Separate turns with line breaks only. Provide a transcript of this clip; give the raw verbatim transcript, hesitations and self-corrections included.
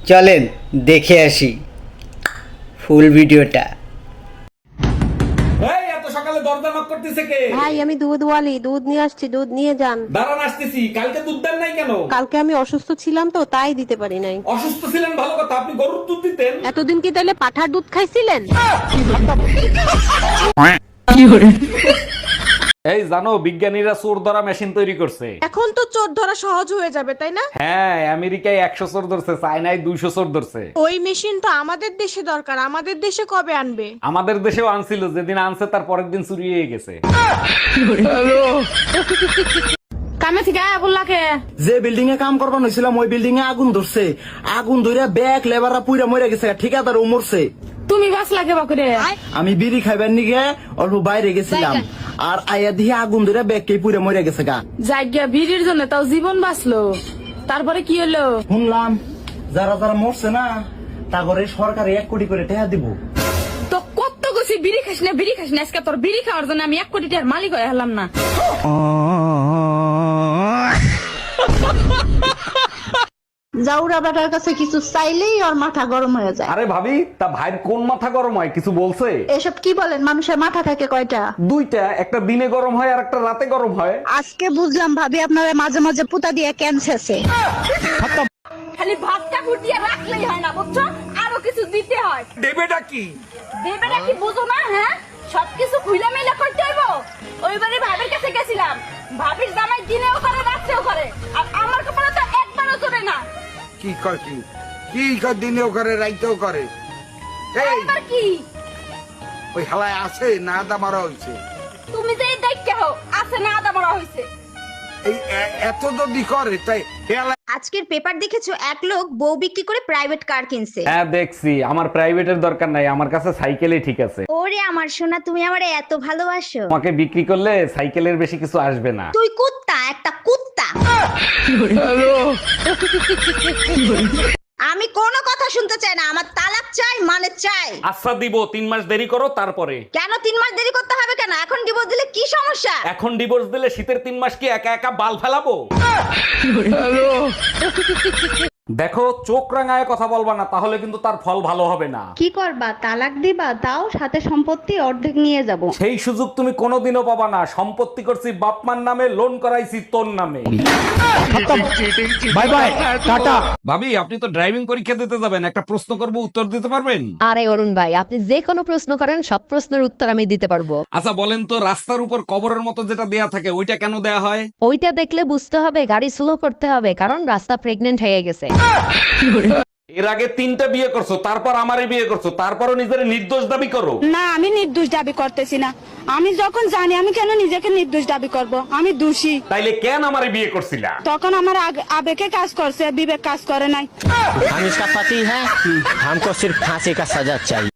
চলেন দেখে আসি ফুল ভিডিওটা।
এই এত সকালে দরজা নক করতেছে কে?
ভাই আমি দুধ ওয়ালি, দুধ নিয়ে আসছি, দুধ নিয়ে যান।
দাঁড়ান আসতেছি। কালকে দুধ দেন নাই কেন?
কালকে আমি অসুস্থ ছিলাম তো তাই দিতে পারি নাই।
অসুস্থ ছিলেন ভালো কথা, আপনি গরুর দুধ দিতেন।
এতদিন কি তাহলে পাঠার দুধ খাইছিলেন?
এই জানো বিজ্ঞানীরা চোর ধরা মেশিন তৈরি করছে।
এখন তো চোর ধরা সহজ হয়ে যাবে তাই না?
হ্যাঁ, আমেরিকায় একশো চোর ধরছে, চায়নায় দুইশো চোর ধরছে।
ওই মেশিন তো আমাদের দেশে দরকার, আমাদের দেশে কবে আনবে?
আমাদের দেশেও আনছিল, যেদিন আনছে তার পরের দিন চুরি হয়ে গেছে।
কামে থেকে আয়া বললাকে
যে বিল্ডিং এ কাম করবার হয়েছিলাম ওই বিল্ডিং এ আগুন ধরছে। আগুন ধরে ব্যাগ লেবাররা পুইরা মরে গেছে, ঠিকাদার ও মরছে।
তুমি বাস লাগে বাকুরে।
আমি বিড়ি খাইবার নিগে অল্প বাইরে গেছিলাম, আর আয়া দিয়ে আগুন ধরে ব্যাগ কে পুইরা মরে গেছে গা।
জায়গা ভিড়ের জন্য তাও জীবন বাঁচলো, তারপরে কি হলো?
শুনলাম যারা যারা মরছে না তা করে সরকার এক কোটি করে টাকা দিব।
তো কত গেছি বিড়ি খাস না বিড়ি খাস না, আজকে তোর বিড়ি খাওয়ার জন্য আমি এক কোটি টাকার মালিক হয়ে হলাম না।
জাউরা বেটার কাছে কিছু চাইলেই ওর মাথা গরম হয়ে যায়।
আরে ভাবি, তা ভাইয়ের কোন মাথা গরম হয় কিছু বলছে?
এসব কি বলেন, মানুষের মাথা থাকে কয়টা?
দুইটা, একটা দিনে গরম হয় আর একটা রাতে গরম হয়।
আজকে বুঝলাম ভাবি আপনারা মাঝে মাঝে পুতা দিয়ে ক্যান্সারছে।
খালি ভাতটা ফুটিয়ে রাখলেই হয় না, বুঝছো? আরো কিছু দিতে হয়।
দেবেটা কি?
দেবেটা কি বুঝো না? হ্যাঁ, সবকিছু খুইলা মেলা করতে হইব। ওইবারে ভাবির কাছে গেছিলাম, ভাবির জামাই দিনেও করে রাত্রেও করে, আর আমার কপালে তো একবারও চলে না।
কি কয় কি কি কয় দিনেও করে রাইতেও করে? এই
এবার কি
ওই হালায় আছে না আদা মারা হয়েছে?
তুমি যে দেখতে হো আছে না আদা মরা হইছে।
এই এ- এত যদি করে তাই হেলায়
আজকের পেপার দেখেছো, এক লোক বউ বিক্রি করে প্রাইভেট কার কিনছে।
হ্যাঁ দেখছি, আমার প্রাইভেটের দরকার নাই, আমার কাছে সাইকেলই ঠিক আছে।
ওরে আমার সোনা, তুমি আমারে এত ভালোবাসো।
তোমাকে বিক্রি করলে সাইকেলের বেশি কিছু আসবে না।
তুই কুত্তা, একটা কুত্তা। আমি কোনো কথা শুনতে চাই না, আমার তালাক চাই মানে চাই।
আচ্ছা দিব, তিন মাস দেরি করো তারপরে।
কেন তিন মাস দেরি করতে হবে কেন? এখন ডিভোর্স দিলে কি সমস্যা?
এখন ডিভোর্স দিলে শীতের তিন মাস কি একা একা বাল ফেলাবো? দেখো, চোখ রাঙায় কথা বলবা না, তাহলে কিন্তু তার ফল ভালো হবে না।
কি করবা, তালাক দিবা? তাও সাথে সম্পত্তি অর্ধেক নিয়ে যাব।
সেই সুযোগ তুমি কোনোদিনও পাবা না। সম্পত্তি করছি বাপমার নামে, লোন করাইছি তোর নামে। Bye bye, tata. ভাবি, আপনি তো ড্রাইভিং পরীক্ষা দিতে যাবেন, একটা প্রশ্ন করব, উত্তর দিতে পারবেন?
আরে অরুণ ভাই, আপনি যে কোনো প্রশ্ন করেন, সব প্রশ্নের উত্তর আমি দিতে পারবো।
আচ্ছা বলেন তো, রাস্তার উপর কবরের মতো যেটা দেয়া থাকে ওইটা কেন দেয়া হয়?
ওইটা দেখলে বুঝতে হবে গাড়ি স্লো করতে হবে, কারণ রাস্তা প্রেগনেন্ট হয়ে গেছে।
এর আগে তিনটা বিয়ে করছো, তারপর আমারে বিয়ে করছো, তারপরও নিজের নির্দোষ দাবি করো।
না, আমি নির্দোষ দাবি করতেছি না। আমি যখন জানি, আমি কেন নিজেকে নির্দোষ দাবি করব? আমি দোষী।
তাইলে কেন আমারে বিয়ে করছিলা?
তখন আমার আগ- আবেগে কাজ করছে, বিবেক কাজ করে নাই।
हम इसका पति है, हमको सिर्फ फांसी का सजा चाहिए।